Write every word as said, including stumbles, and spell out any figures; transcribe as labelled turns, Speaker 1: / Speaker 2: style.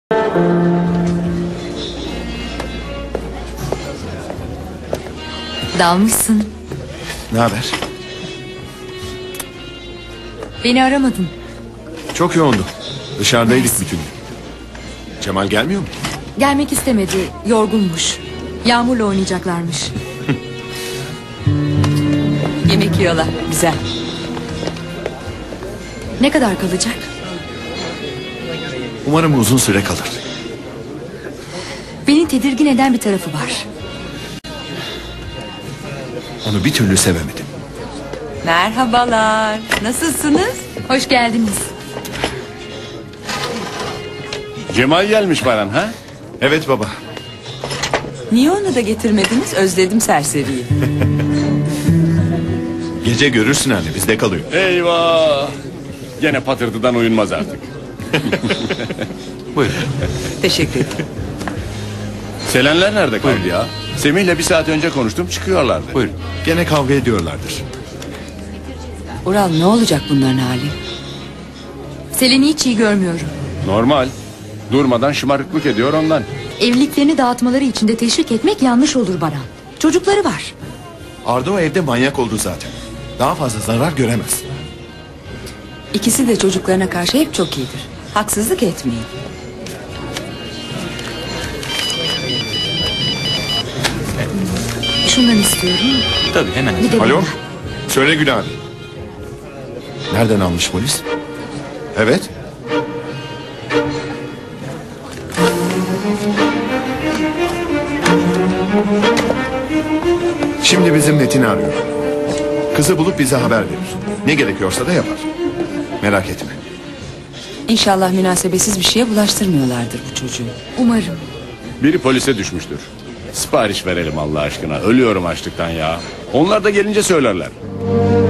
Speaker 1: Dalmışsın.
Speaker 2: Ne haber?
Speaker 1: Beni aramadın.
Speaker 2: Çok yoğundu. Dışarıdaydık bütün gün. Cemal gelmiyor mu?
Speaker 1: Gelmek istemedi. Yorgunmuş. Yağmurla oynayacaklarmış. Yemek yiyorlar. Güzel. Ne kadar kalacak?
Speaker 2: Umarım uzun süre kalır.
Speaker 1: Beni tedirgin eden bir tarafı var.
Speaker 2: Onu bir türlü sevemedim.
Speaker 3: Merhabalar. Nasılsınız?
Speaker 1: Hoş geldiniz.
Speaker 4: Cemal gelmiş Baran ha?
Speaker 2: Evet baba.
Speaker 3: Niye onu da getirmediniz? Özledim serseriyi.
Speaker 2: Gece görürsün anne, bizde kalıyor.
Speaker 4: Eyvah. Gene patırtıdan uyunmaz artık.
Speaker 2: Buyurun.
Speaker 3: Teşekkür ederim.
Speaker 4: Selenler nerede kaldı ya? Semih'le bir saat önce konuştum, çıkıyorlardı.
Speaker 2: Buyurun. Gene kavga ediyorlardır.
Speaker 3: Ural, ne olacak bunların hali?
Speaker 1: Selen'i hiç iyi görmüyorum.
Speaker 4: Normal. Durmadan şımarıklık ediyor ondan.
Speaker 1: Evliliklerini dağıtmaları için de teşvik etmek yanlış olur Baran. Çocukları var.
Speaker 2: Arda o evde manyak oldu zaten. Daha fazla zarar göremez.
Speaker 3: İkisi de çocuklarına karşı hep çok iyidir. Haksızlık etmeyin.
Speaker 1: Şundan istiyorum.
Speaker 5: Tabii hemen.
Speaker 1: Bir de
Speaker 2: Alo?
Speaker 1: bundan.
Speaker 2: Söyle Gül abi. Nereden almış polis? Evet. Şimdi bizim Metin'i arıyor. Kızı bulup bize haber verir. Ne gerekiyorsa da yapar. Merak etme.
Speaker 3: İnşallah münasebetsiz bir şeye bulaştırmıyorlardır bu çocuğu.
Speaker 1: Umarım.
Speaker 4: Biri polise düşmüştür. Sipariş verelim Allah aşkına. Ölüyorum açlıktan ya. Onlar da gelince söylerler.